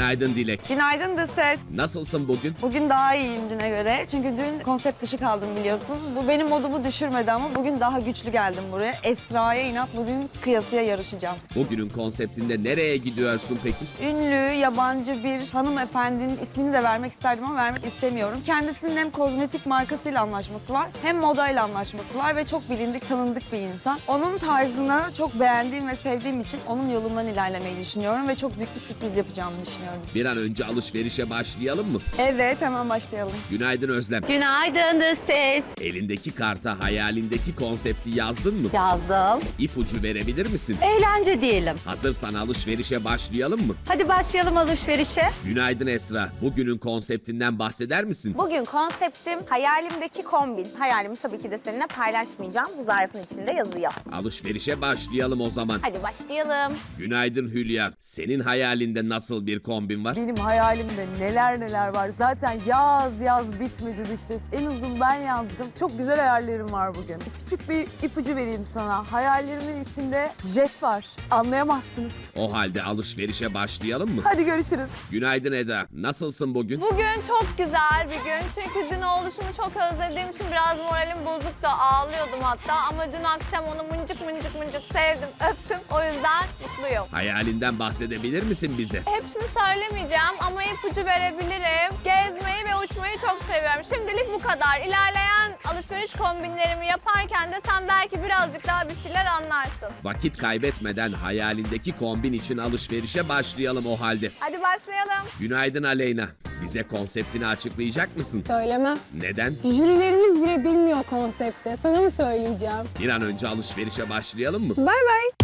Günaydın Dilek. Günaydın The Ses. Nasılsın bugün? Bugün daha iyiyim düne göre. Çünkü dün konsept dışı kaldım biliyorsun. Bu benim modumu düşürmedi ama bugün daha güçlü geldim buraya. Esra'ya inat bugün kıyasıya yarışacağım. Bugünün konseptinde nereye gidiyorsun peki? Ünlü, yabancı bir hanımefendinin ismini de vermek isterdim ama vermek istemiyorum. Kendisinin hem kozmetik markasıyla anlaşması var hem modayla anlaşması var ve çok bilindik, tanındık bir insan. Onun tarzını çok beğendiğim ve sevdiğim için onun yolundan ilerlemeyi düşünüyorum ve çok büyük bir sürpriz yapacağımı düşünüyorum. Bir an önce alışverişe başlayalım mı? Evet, hemen başlayalım. Günaydın Özlem. Günaydın The Ses. Elindeki karta hayalindeki konsepti yazdın mı? Yazdım. İpucu verebilir misin? Eğlence diyelim. Hazırsan alışverişe başlayalım mı? Hadi başlayalım alışverişe. Günaydın Esra. Bugünün konseptinden bahseder misin? Bugün konseptim hayalimdeki kombin. Hayalimi tabii ki de seninle paylaşmayacağım. Bu zarfın içinde yazıyor. Alışverişe başlayalım o zaman. Hadi başlayalım. Günaydın Hülya. Senin hayalinde nasıl bir kombin var? Benim hayalimde neler neler var. Zaten yaz bitmedi dış ses. En uzun ben yazdım. Çok güzel hayallerim var bugün. Küçük bir ipucu vereyim sana. Hayallerimin içinde jet var. Anlayamazsınız. O halde alışverişe başlayalım mı? Hadi görüşürüz. Günaydın Eda. Nasılsın bugün? Bugün çok güzel bir gün çünkü dün oluşumu çok özlediğim için biraz moralim bozuk da ağlıyordum hatta ama dün akşam onu mıncık mıncık sevdim, öptüm. O yüzden mutluyum. Hayalinden bahsedebilir misin bize? Hepsini söylemeyeceğim ama ipucu verebilirim. Gezmeyi ve uçmayı çok seviyorum. Şimdilik bu kadar. İlerleyen alışveriş kombinlerimi yaparken de sen belki birazcık daha bir şeyler anlarsın. Vakit kaybetmeden hayalindeki kombin için alışverişe başlayalım o halde. Hadi başlayalım. Günaydın Aleyna. Bize konseptini açıklayacak mısın? Söylemem. Neden? Jürilerimiz bile bilmiyor konsepti. Sana mı söyleyeceğim? Bir an önce alışverişe başlayalım mı? Bay bay.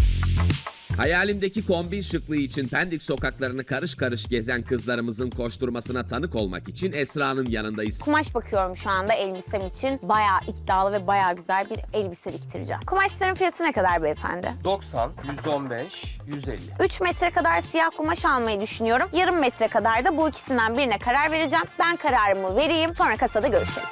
Hayalimdeki kombin şıklığı için Pendik sokaklarını karış karış gezen kızlarımızın koşturmasına tanık olmak için Esra'nın yanındayız. Kumaş bakıyorum şu anda elbisem için. Bayağı iddialı ve bayağı güzel bir elbise diktireceğim. Kumaşların fiyatı ne kadar beyefendi? 90, 115, 150. 3 metre kadar siyah kumaş almayı düşünüyorum. Yarım metre kadar da bu ikisinden birine karar vereceğim. Ben kararımı vereyim. Sonra kasada görüşelim.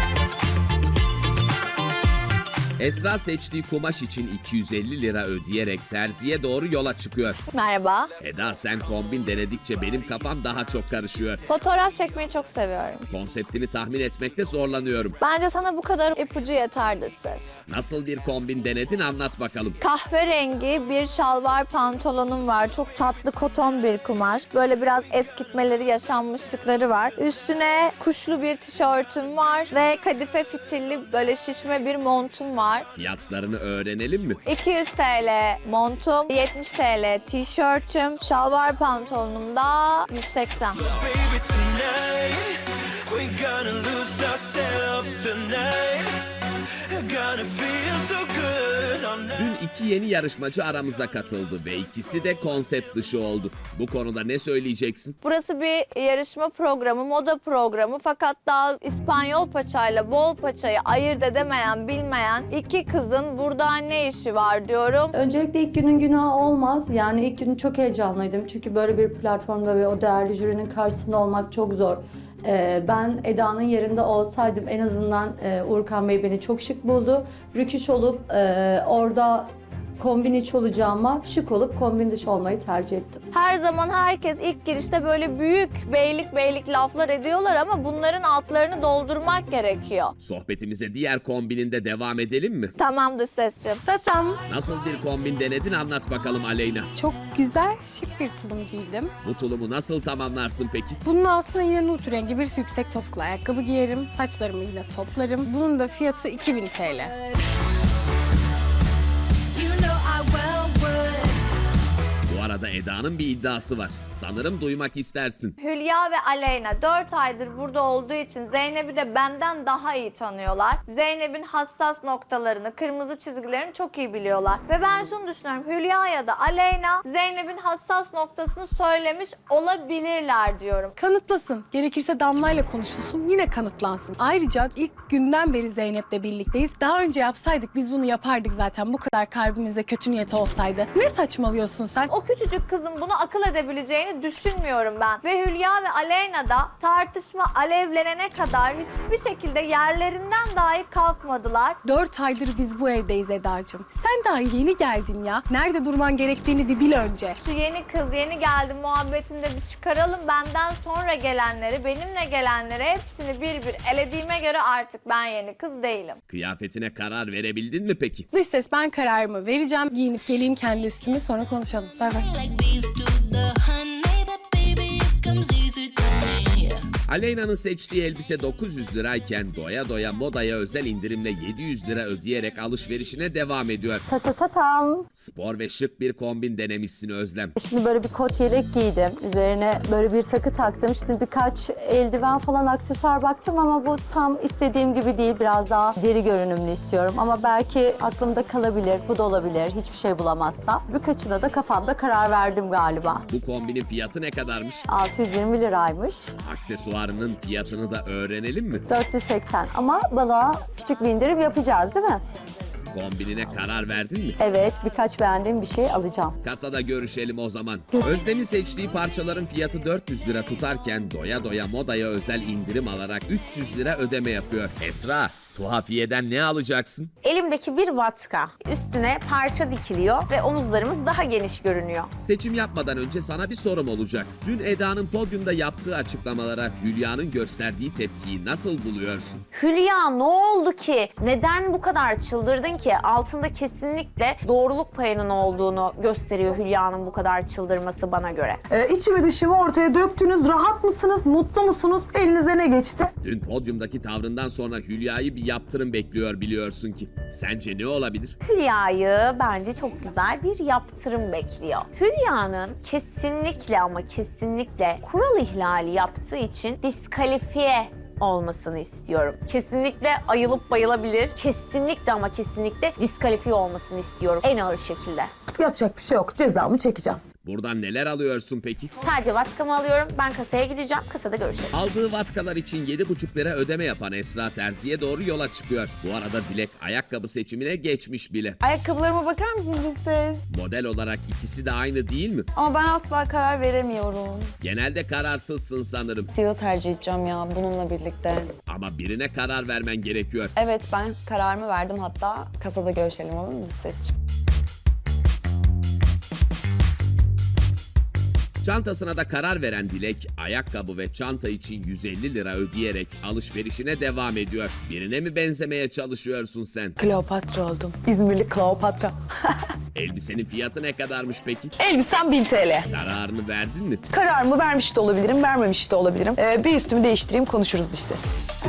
Esra seçtiği kumaş için 250 lira ödeyerek terziye doğru yola çıkıyor. Merhaba. Eda sen kombin denedikçe benim kafam daha çok karışıyor. Fotoğraf çekmeyi çok seviyorum. Konseptini tahmin etmekte zorlanıyorum. Bence sana bu kadar ipucu yeterdi ses. Nasıl bir kombin denedin anlat bakalım. Kahverengi bir şalvar pantolonum var. Çok tatlı koton bir kumaş. Böyle biraz eskitmeleri, yaşanmışlıkları var. Üstüne kuşlu bir tişörtüm var ve kadife fitilli böyle şişme bir montum var. Fiyatlarını öğrenelim mi? 200 TL montum, 70 TL tişörtüm, şalvar pantolonum da 180. Dün iki yeni yarışmacı aramıza katıldı ve ikisi de konsept dışı oldu. Bu konuda ne söyleyeceksin? Burası bir yarışma programı, moda programı fakat daha İspanyol paçayla bol paçayı ayırt edemeyen, bilmeyen iki kızın burada ne işi var diyorum. Öncelikle ilk günün günahı olmaz. Yani ilk gün çok heyecanlıydım. Çünkü böyle bir platformda ve o değerli jürinin karşısında olmak çok zor. Ben Eda'nın yerinde olsaydım en azından Uğurkan Bey beni çok şık buldu. Rüküş olup orada kombin iç olacağıma şık olup kombin dışı olmayı tercih ettim. Her zaman herkes ilk girişte böyle büyük beylik laflar ediyorlar ama bunların altlarını doldurmak gerekiyor. Sohbetimize diğer kombininde devam edelim mi? Tamamdır sesçim. Tasam. Nasıl bir kombin denedin anlat bakalım Aleyna. Çok güzel, şık bir tulum giydim. Bu tulumu nasıl tamamlarsın peki? Bunun altına yine nude rengi bir yüksek topuklu ayakkabı giyerim. Saçlarımı yine toplarım. Bunun da fiyatı 2000 TL. Bu arada Eda'nın bir iddiası var. Sanırım duymak istersin. Hülya ve Aleyna 4 aydır burada olduğu için Zeynep'i de benden daha iyi tanıyorlar. Zeynep'in hassas noktalarını, kırmızı çizgilerini çok iyi biliyorlar. Ve ben şunu düşünüyorum. Hülya ya da Aleyna Zeynep'in hassas noktasını söylemiş olabilirler diyorum. Kanıtlasın. Gerekirse Damla'yla konuşulsun, yine kanıtlansın. Ayrıca ilk günden beri Zeynep'le birlikteyiz. Daha önce yapsaydık biz bunu yapardık zaten. Bu kadar kalbimizde kötü niyeti olsaydı. Ne saçmalıyorsun sen? O küçücük kızın bunu akıl edebileceğini olacağını düşünmüyorum ben. Ve Hülya ve Aleyna da tartışma alevlenene kadar hiçbir şekilde yerlerinden dahi kalkmadılar. 4 aydır biz bu evdeyiz Eda'cığım. Sen daha yeni geldin ya. Nerede durman gerektiğini bir bil önce. Şu yeni kız yeni geldi muhabbetinde bir çıkaralım. Benden sonra gelenleri, benimle gelenleri hepsini bir bir elediğime göre artık ben yeni kız değilim. Kıyafetine karar verebildin mi peki? Dış ses, ben kararımı vereceğim. Giyinip geleyim kendi üstümü, sonra konuşalım. Bay bay. Aleyna'nın seçtiği elbise 900 lirayken doya doya modaya özel indirimle 700 lira ödeyerek alışverişine devam ediyor. Tam. Spor ve şık bir kombin denemişsin Özlem. Şimdi böyle bir kot yelek giydim. Üzerine böyle bir takı taktım. Şimdi birkaç eldiven falan aksesuar baktım ama bu tam istediğim gibi değil. Biraz daha deri görünümlü istiyorum. Ama belki aklımda kalabilir, bu da olabilir. Hiçbir şey bulamazsam. Birkaçına da kafamda karar verdim galiba. Bu kombinin fiyatı ne kadarmış? 620 liraymış. Aksesuarının fiyatını da öğrenelim mi? 480 ama bana küçük bir indirim yapacağız değil mi? Kombinine karar verdin mi? Evet, birkaç beğendiğim bir şey alacağım. Kasada görüşelim o zaman. Özlem'in seçtiği parçaların fiyatı 400 lira tutarken doya doya modaya özel indirim alarak 300 lira ödeme yapıyor. Esra, tuhafiyeden ne alacaksın? Elimdeki bir vatka. Üstüne parça dikiliyor ve omuzlarımız daha geniş görünüyor. Seçim yapmadan önce sana bir sorum olacak. Dün Eda'nın podyumda yaptığı açıklamalara Hülya'nın gösterdiği tepkiyi nasıl buluyorsun? Hülya ne oldu ki? Neden bu kadar çıldırdın ki? Altında kesinlikle doğruluk payının olduğunu gösteriyor Hülya'nın bu kadar çıldırması bana göre. İçimi dışımı ortaya döktünüz. Rahat mısınız? Mutlu musunuz? Elinize ne geçti? Dün podyumdaki tavrından sonra Hülya'yı bir yaptırım bekliyor biliyorsun ki. Sence ne olabilir? Hülya'yı bence çok güzel bir yaptırım bekliyor. Hülya'nın kesinlikle ama kesinlikle kural ihlali yaptığı için diskalifiye olmasını istiyorum. Kesinlikle ayılıp bayılabilir. Kesinlikle ama kesinlikle diskalifiye olmasını istiyorum en ağır şekilde. Yapacak bir şey yok. Cezamı çekeceğim. Buradan neler alıyorsun peki? Sadece vatkamı alıyorum. Ben kasaya gideceğim. Kasada görüşelim. Aldığı vatkalar için 7,5 lira ödeme yapan Esra terziye doğru yola çıkıyor. Bu arada Dilek ayakkabı seçimine geçmiş bile. Ayakkabılarıma bakar mısınız siz? Model olarak ikisi de aynı değil mi? Ama ben asla karar veremiyorum. Genelde kararsızsın sanırım. Siyahı tercih edeceğim ya bununla birlikte. Ama birine karar vermen gerekiyor. Evet ben kararımı verdim, hatta kasada görüşelim, olur mu Sesciğim? Çantasına da karar veren Dilek, ayakkabı ve çanta için 150 lira ödeyerek alışverişine devam ediyor. Birine mi benzemeye çalışıyorsun sen? Kleopatra oldum. İzmirli Kleopatra. Elbisenin fiyatı ne kadarmış peki? Elbisem 1000 TL. Kararını verdin mi? Kararımı vermiş de olabilirim, vermemiş de olabilirim. Bir üstümü değiştireyim, konuşuruz dış ses.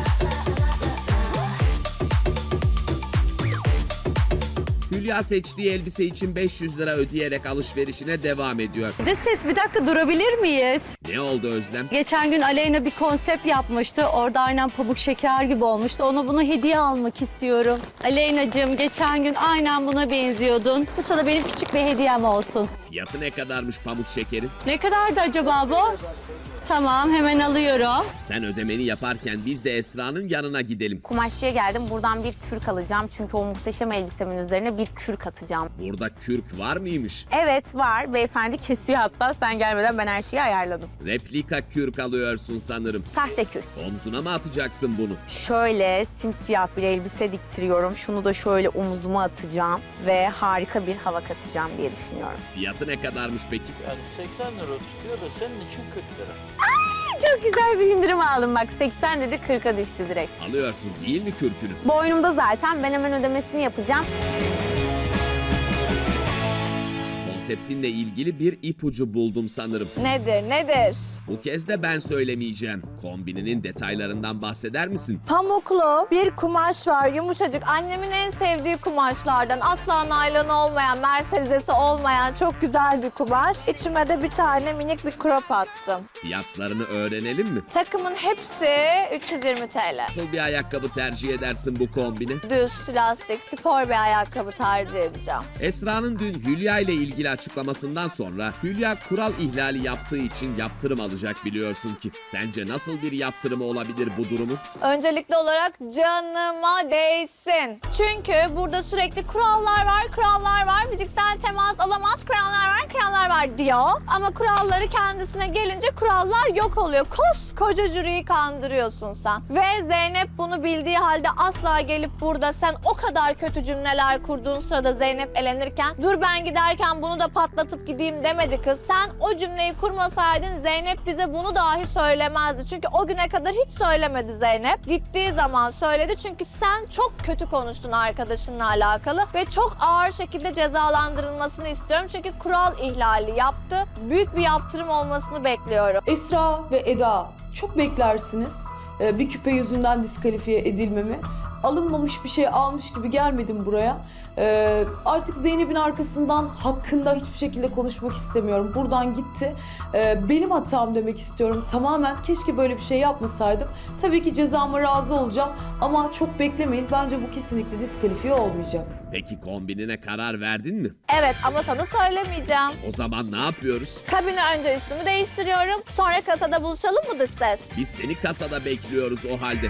Hülya seçtiği elbise için 500 lira ödeyerek alışverişine devam ediyor. Dış ses, bir dakika durabilir miyiz? Ne oldu Özlem? Geçen gün Aleyna bir konsept yapmıştı. Orada aynen pamuk şeker gibi olmuştu. Ona bunu hediye almak istiyorum. Aleyna'cığım geçen gün aynen buna benziyordun. Bu sana benim küçük bir hediyem olsun. Fiyatı ne kadarmış pamuk şekerin? Ne kadardı acaba bu? Tamam, hemen alıyorum. Sen ödemeni yaparken biz de Esra'nın yanına gidelim. Kumaşçıya geldim. Buradan bir kürk alacağım. Çünkü o muhteşem elbisemin üzerine bir kürk atacağım. Burada kürk var mıymış? Evet var. Beyefendi kesiyor hatta. Sen gelmeden ben her şeyi ayarladım. Replika kürk alıyorsun sanırım. Sahte kürk. Omzuna mı atacaksın bunu? Şöyle simsiyah bir elbise diktiriyorum. Şunu da şöyle omuzuma atacağım. Ve harika bir hava katacağım diye düşünüyorum. Fiyatı ne kadarmış peki? Yani 80 lira tutuyor da senin için 40 lira. Çok güzel bir indirim aldım bak. 80 dedi 40'a düştü direkt. Alıyorsun değil mi kürkünü? Boynumda zaten. Ben hemen ödemesini yapacağım. Konseptinle ilgili bir ipucu buldum sanırım. Nedir? Bu kez de ben söylemeyeceğim. Kombininin detaylarından bahseder misin? Pamuklu bir kumaş var, yumuşacık. Annemin en sevdiği kumaşlardan. Asla naylon olmayan, mercerizesi olmayan çok güzel bir kumaş. İçime de bir tane minik bir crop attım. Fiyatlarını öğrenelim mi? Takımın hepsi 320 TL. Nasıl bir ayakkabı tercih edersin bu kombine? Düz, lastik, spor bir ayakkabı tercih edeceğim. Esra'nın dün Hülya ile ilgili açıklamasından sonra Hülya kural ihlali yaptığı için yaptırım alacak biliyorsun ki. Sence nasıl bir yaptırımı olabilir bu durumun? Öncelikli olarak canıma değsin. Çünkü burada sürekli kurallar var, fiziksel temas olamaz, kurallar var diyor. Ama kuralları kendisine gelince kurallar yok oluyor. Koskoca jüriyi kandırıyorsun sen. Ve Zeynep bunu bildiği halde asla gelip burada sen o kadar kötü cümleler kurduğun sırada Zeynep elenirken dur ben giderken bunu da patlatıp gideyim demedi kız. Sen o cümleyi kurmasaydın Zeynep bize bunu dahi söylemezdi. Çünkü o güne kadar hiç söylemedi Zeynep. Gittiği zaman söyledi çünkü sen çok kötü konuştun arkadaşınla alakalı ve çok ağır şekilde cezalandırılmasını istiyorum. Çünkü kural ihlali yaptı. Büyük bir yaptırım olmasını bekliyorum. Esra ve Eda çok beklersiniz bir küpe yüzünden diskalifiye edilmemi. Alınmamış bir şey almış gibi gelmedim buraya. Artık Zeynep'in arkasından hakkında hiçbir şekilde konuşmak istemiyorum. Buradan gitti. Benim hatam demek istiyorum. Tamamen keşke böyle bir şey yapmasaydım. Tabii ki cezama razı olacağım ama çok beklemeyin. Bence bu kesinlikle diskalifiye olmayacak. Peki kombinine karar verdin mi? Evet ama sana söylemeyeceğim. O zaman ne yapıyoruz? Kabine önce üstümü değiştiriyorum. Sonra kasada buluşalım mı dış ses? Biz seni kasada bekliyoruz o halde.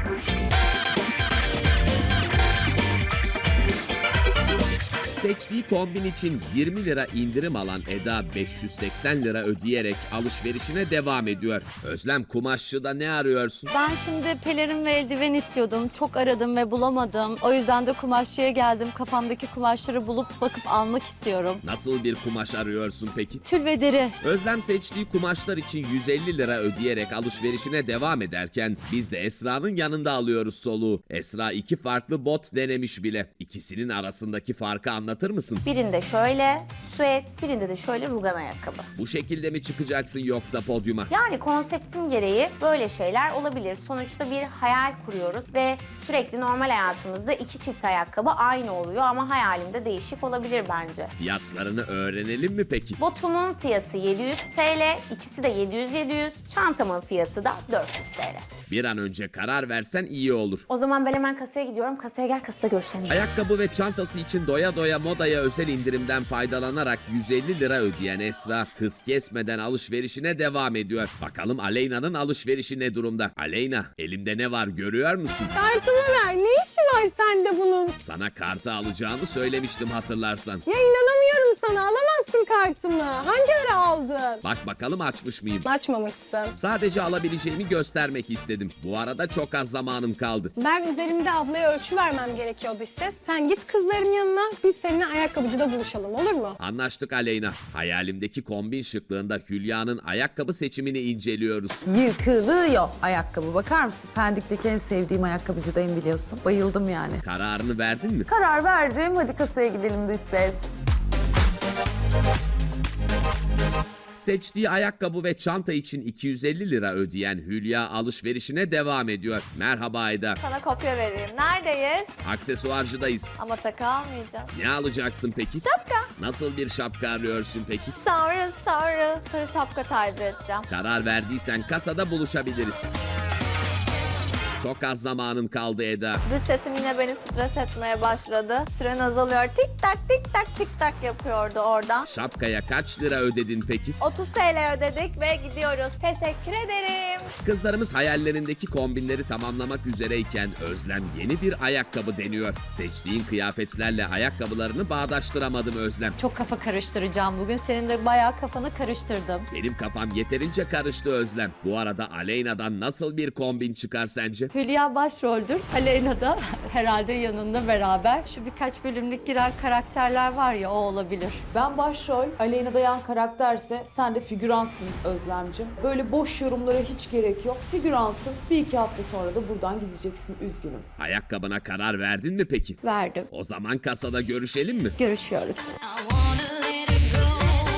Seçtiği kombin için 20 lira indirim alan Eda 580 lira ödeyerek alışverişine devam ediyor. Özlem Kumaşçı'da ne arıyorsun? Ben şimdi pelerin ve eldiven istiyordum. Çok aradım ve bulamadım. O yüzden de kumaşçıya geldim. Kafamdaki kumaşları bulup bakıp almak istiyorum. Nasıl bir kumaş arıyorsun peki? Tül ve deri. Özlem seçtiği kumaşlar için 150 lira ödeyerek alışverişine devam ederken biz de Esra'nın yanında alıyoruz soluğu. Esra 2 farklı bot denemiş bile. İkisinin arasındaki farkı anlatır mısın? Birinde şöyle süet, birinde de şöyle rugan ayakkabı. Bu şekilde mi çıkacaksın yoksa podyuma? Yani konseptim gereği böyle şeyler olabilir. Sonuçta bir hayal kuruyoruz ve sürekli normal hayatımızda 2 çift ayakkabı aynı oluyor ama hayalimde değişik olabilir bence. Fiyatlarını öğrenelim mi peki? Botumun fiyatı 700 TL, ikisi de 700-700, çantamın fiyatı da 400 TL. Bir an önce karar versen iyi olur. O zaman ben hemen kasaya gidiyorum. Kasaya gel, kasada görüşelim. Ayakkabı ve çantası için doya doya modaya özel indirimden faydalanarak 150 lira ödeyen Esra hız kesmeden alışverişine devam ediyor. Bakalım Aleyna'nın alışverişi ne durumda? Aleyna, elimde ne var görüyor musun? Kartımı ver. Ne işi var sende bunun? Sana kartı alacağımı söylemiştim hatırlarsan. Ya inanamıyorum sana. Alamazsın kartımı. Hangi ara aldın? Bak bakalım açmış mıyım? Açmamışsın. Sadece alabileceğimi göstermek istedim. Bu arada çok az zamanım kaldı. Ben üzerimde ablaya ölçü vermem gerekiyordu işte. Sen git kızların yanına. Biz seninle ayakkabıcıda buluşalım, olur mu? Anlaştık Aleyna. Hayalimdeki kombin şıklığında Hülya'nın ayakkabı seçimini inceliyoruz. Yıkılıyor ayakkabı. Bakar mısın? Pendik'teki en sevdiğim ayakkabıcıdayım biliyorsun. Bayıldım yani. Kararını verdin mi? Karar verdim. Hadi kasaya gidelim dış ses. Seçtiği ayakkabı ve çanta için 250 lira ödeyen Hülya alışverişine devam ediyor. Merhaba Eda. Sana kopya vereyim. Neredeyiz? Aksesuarcıdayız. Ama takı almayacağım. Ne alacaksın peki? Şapka. Nasıl bir şapka arıyorsun peki? Sarı şapka tercih edeceğim. Karar verdiysen kasada buluşabiliriz. Çok az zamanın kaldı Eda. Dış sesim yine beni stres etmeye başladı. Süren azalıyor. Tik tak tik tak tik tak yapıyordu oradan. Şapkaya kaç lira ödedin peki? 30 TL ödedik ve gidiyoruz. Teşekkür ederim. Kızlarımız hayallerindeki kombinleri tamamlamak üzereyken Özlem yeni bir ayakkabı deniyor. Seçtiğin kıyafetlerle ayakkabılarını bağdaştıramadım Özlem. Çok kafa karıştıracağım bugün. Senin de bayağı kafanı karıştırdım. Benim kafam yeterince karıştı Özlem. Bu arada Aleyna'dan nasıl bir kombin çıkar sence? Hülya başroldür. Aleyna da herhalde yanında beraber. Şu birkaç bölümlük giren karakterler var ya, o olabilir. Ben başrol, Aleyna'da yan karakterse sen de figüransın Özlemciğim. Böyle boş yorumlara hiç gerek yok. Figüransın. 1-2 hafta sonra da buradan gideceksin. Üzgünüm. Ayakkabına karar verdin mi peki? Verdim. O zaman kasada görüşelim mi? Görüşüyoruz.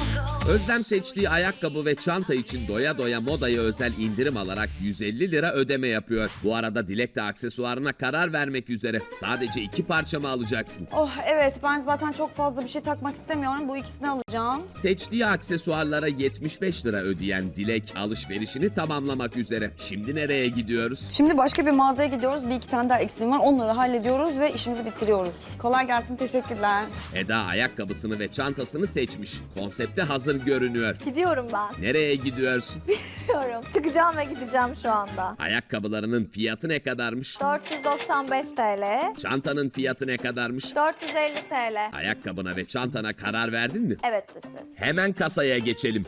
Özlem seçtiği ayakkabı ve çanta için doya doya modaya özel indirim alarak 150 lira ödeme yapıyor. Bu arada Dilek de aksesuarına karar vermek üzere. Sadece 2 parça mı alacaksın? Oh evet, ben zaten çok fazla bir şey takmak istemiyorum. Bu ikisini alacağım. Seçtiği aksesuarlara 75 lira ödeyen Dilek alışverişini tamamlamak üzere. Şimdi nereye gidiyoruz? Şimdi başka bir mağazaya gidiyoruz. Bir iki tane daha eksiğim var. Onları hallediyoruz ve işimizi bitiriyoruz. Kolay gelsin, teşekkürler. Eda ayakkabısını ve çantasını seçmiş. Konsepte hazır görünüyor. Gidiyorum ben. Nereye gidiyorsun? Gidiyorum. Çıkacağım ve gideceğim şu anda. Ayakkabılarının fiyatı ne kadarmış? 495 TL. Çantanın fiyatı ne kadarmış? 450 TL. Ayakkabına ve çantana karar verdin mi? Evet dış ses. Hemen kasaya geçelim.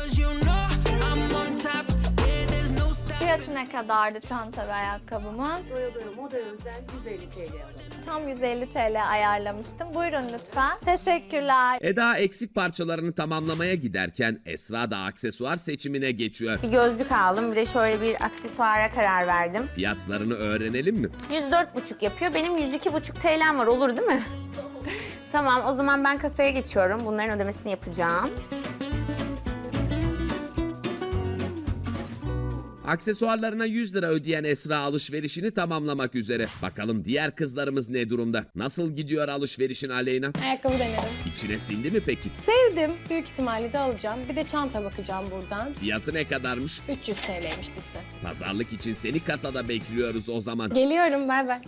Fiyatı ne kadardı çanta ve ayakkabımın? Moda özel 150 TL Tam 150 TL ayarlamıştım. Buyurun lütfen. Teşekkürler. Eda eksik parçalarını tamamlamaya giderken Esra da aksesuar seçimine geçiyor. Bir gözlük aldım, bir de şöyle bir aksesuara karar verdim. Fiyatlarını öğrenelim mi? 104,5 yapıyor. Benim 102,5 TL'm var, olur değil mi? Tamam, o zaman ben kasaya geçiyorum. Bunların ödemesini yapacağım. Aksesuarlarına 100 lira ödeyen Esra alışverişini tamamlamak üzere. Bakalım diğer kızlarımız ne durumda? Nasıl gidiyor alışverişin Aleyna? Ayakkabı denedim. İçine sindi mi peki? Sevdim. Büyük ihtimalle de alacağım. Bir de çanta bakacağım buradan. Fiyatı ne kadarmış? 300 TL'ymiş dış ses. Pazarlık için seni kasada bekliyoruz o zaman. Geliyorum, bay bay.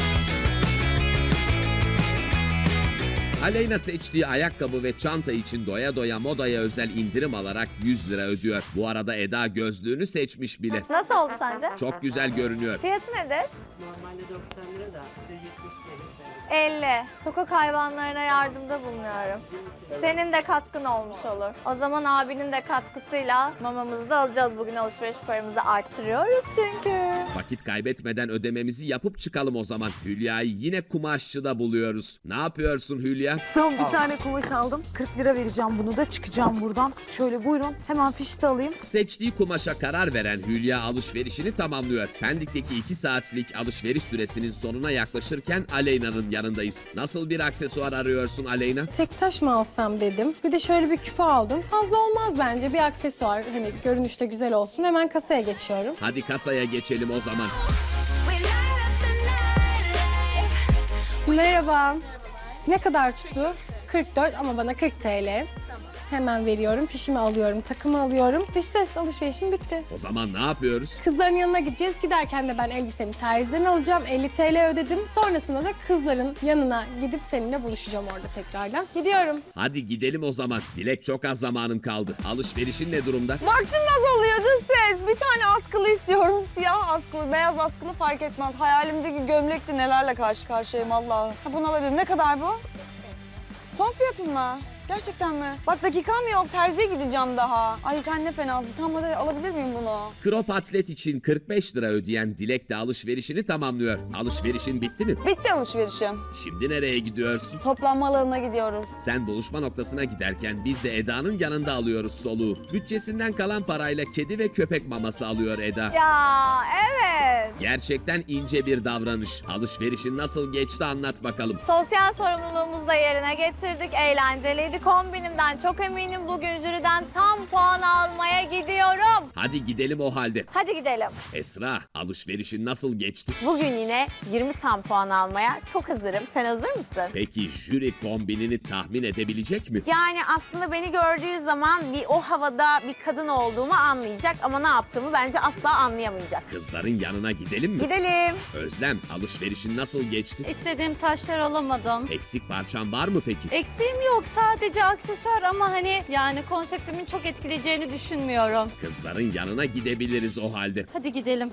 Aleyna seçtiği ayakkabı ve çanta için doya doya modaya özel indirim alarak 100 lira ödüyor. Bu arada Eda gözlüğünü seçmiş bile. Nasıl oldu sence? Çok güzel görünüyor. Fiyatı nedir? Normalde 90 lira da size 70 TL. 50. Sokak hayvanlarına yardımda bulunuyorum. Senin de katkın olmuş olur. O zaman abinin de katkısıyla mamamızı da alacağız. Bugün alışveriş paramızı arttırıyoruz çünkü. Vakit kaybetmeden ödememizi yapıp çıkalım o zaman. Hülya'yı yine kumaşçıda buluyoruz. Ne yapıyorsun Hülya? Son bir tane kumaş aldım. 40 lira vereceğim bunu da, çıkacağım buradan. Şöyle buyurun, hemen fişte alayım. Seçtiği kumaşa karar veren Hülya alışverişini tamamlıyor. Pendik'teki 2 saatlik alışveriş süresinin sonuna yaklaşırken Aleyna'nın yanındayız. Nasıl bir aksesuar arıyorsun Aleyna? Tek taş mı alsam dedim. Bir de şöyle bir küpe aldım. Fazla olmaz bence. Bir aksesuar, hani görünüşte güzel olsun. Hemen kasaya geçiyorum. Hadi kasaya geçelim o zaman. Merhaba. Ne kadar tuttu? 44 ama bana 40 TL. Hemen veriyorum. Fişimi alıyorum, takımı alıyorum. Dış ses alışverişim bitti. O zaman ne yapıyoruz? Kızların yanına gideceğiz. Giderken de ben elbisemi terziden alacağım. 50 TL ödedim. Sonrasında da kızların yanına gidip seninle buluşacağım orada tekrardan. Gidiyorum. Hadi gidelim o zaman. Dilek çok az zamanın kaldı. Alışverişin ne durumda? Vaktim azalıyor dış ses. Bir tane askılı istiyorum. Siyah askılı, beyaz askılı fark etmez. Hayalimdeki gömlekti, nelerle karşı karşıyayım Allah'ım. Ha, bunu alabilirim. Ne kadar bu? Son fiyatın mı? Gerçekten mi? Bak dakikam yok. Terziye gideceğim daha. Ay sen ne fenasın. Tam hadi alabilir miyim bunu? Crop atlet için 45 lira ödeyen Dilek de alışverişini tamamlıyor. Alışverişin bitti mi? Bitti alışverişim. Şimdi nereye gidiyorsun? Toplanma alanına gidiyoruz. Sen buluşma noktasına giderken biz de Eda'nın yanında alıyoruz soluğu. Bütçesinden kalan parayla kedi ve köpek maması alıyor Eda. Ya evet. Gerçekten ince bir davranış. Alışverişin nasıl geçti anlat bakalım. Sosyal sorumluluğumuzu da yerine getirdik. Eğlenceliydi. Kombinimden çok eminim. Bugün jüriden tam puan almaya gidiyorum. Hadi gidelim o halde. Hadi gidelim. Esra, alışverişin nasıl geçti? Bugün yine 20 tam puan almaya çok hazırım. Sen hazır mısın? Peki jüri kombinini tahmin edebilecek mi? Yani aslında beni gördüğü zaman bir o havada bir kadın olduğumu anlayacak ama ne yaptığımı bence asla anlayamayacak. Kızların yanına gidelim mi? Gidelim. Özlem, alışverişin nasıl geçti? İstediğim taşlar alamadım. Eksik parçan var mı peki? Eksiğim yok, sadece aksesuar ama hani yani konseptimin çok etkileyeceğini düşünmüyorum. Kızların yanına gidebiliriz o halde. Hadi gidelim.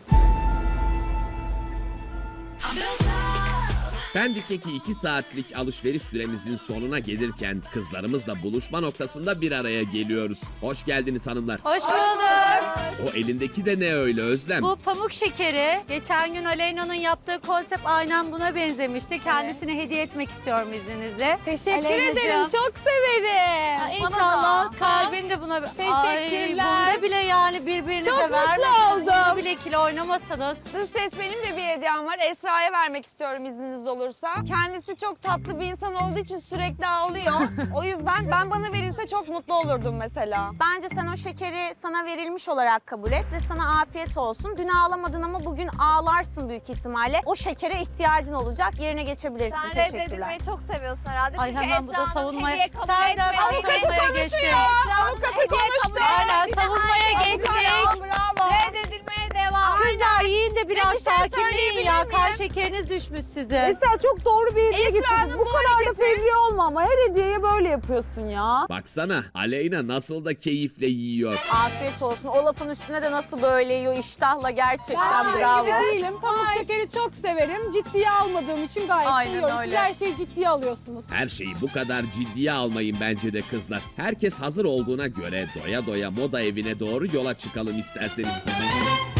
Pendik'teki 2 saatlik alışveriş süremizin sonuna gelirken kızlarımızla buluşma noktasında bir araya geliyoruz. Hoş geldiniz hanımlar. Hoş bulduk. O elindeki de ne öyle Özlem? Bu pamuk şekeri. Geçen gün Aleyna'nın yaptığı konsept aynen buna benzemişti. Kendisine hediye etmek istiyorum izninizle. Teşekkür Aleyna'cığım. ederim. Çok severim. İnşallah kalbin de buna... Teşekkürler. Ay, bunda bile yani birbirinize Çok mutlu vermesin. oldum. Bunu bile ikili oynamasanız. Dış ses, benim de bir hediyem var. Esra'ya vermek istiyorum izniniz olursa. Kendisi çok tatlı bir insan olduğu için sürekli ağlıyor. O yüzden bana verilse çok mutlu olurdum mesela. Bence sen o şekeri sana verilmiş olarak kabul et ve sana afiyet olsun. Dün ağlamadın ama bugün ağlarsın büyük ihtimalle. O şekere ihtiyacın olacak. Yerine geçebilirsin. Sen Teşekkürler. reddedilmeyi çok seviyorsun herhalde. Ay Çünkü hemen bu da Esra'nın savunmaya... hediye kabul Serdar etmediği- savunmaya geçti. Avukatı konuştu. Aynen savunmaya geçtik. Bravo. Reddedilmeye devam. Kızlar yiyin de biraz Bir şey sakinleyin söyleyebilir ya. miyim? Kan şekeriniz düşmüş sizin. Esra çok doğru bir hediye Esra'nın getirdin. Bu bu kadar da hareketi- fevri olma ama her hediyeye böyle yapıyorsun ya. Baksana Aleyna nasıl da keyifle yiyor. Afiyet olsun. O lafın üstüne de nasıl böyle yiyor iştahla gerçekten Ben bravo. gibi değilim. Pamuk şekeri çok severim. Ciddiye almadığım için gayet Aynen yiyorum. öyle. Siz her şeyi ciddiye alıyorsunuz. Her şeyi bu kadar ciddiye almayın bence de kızlar. Herkes hazır olduğuna göre doya doya moda evine doğru yola çıkalım isterseniz.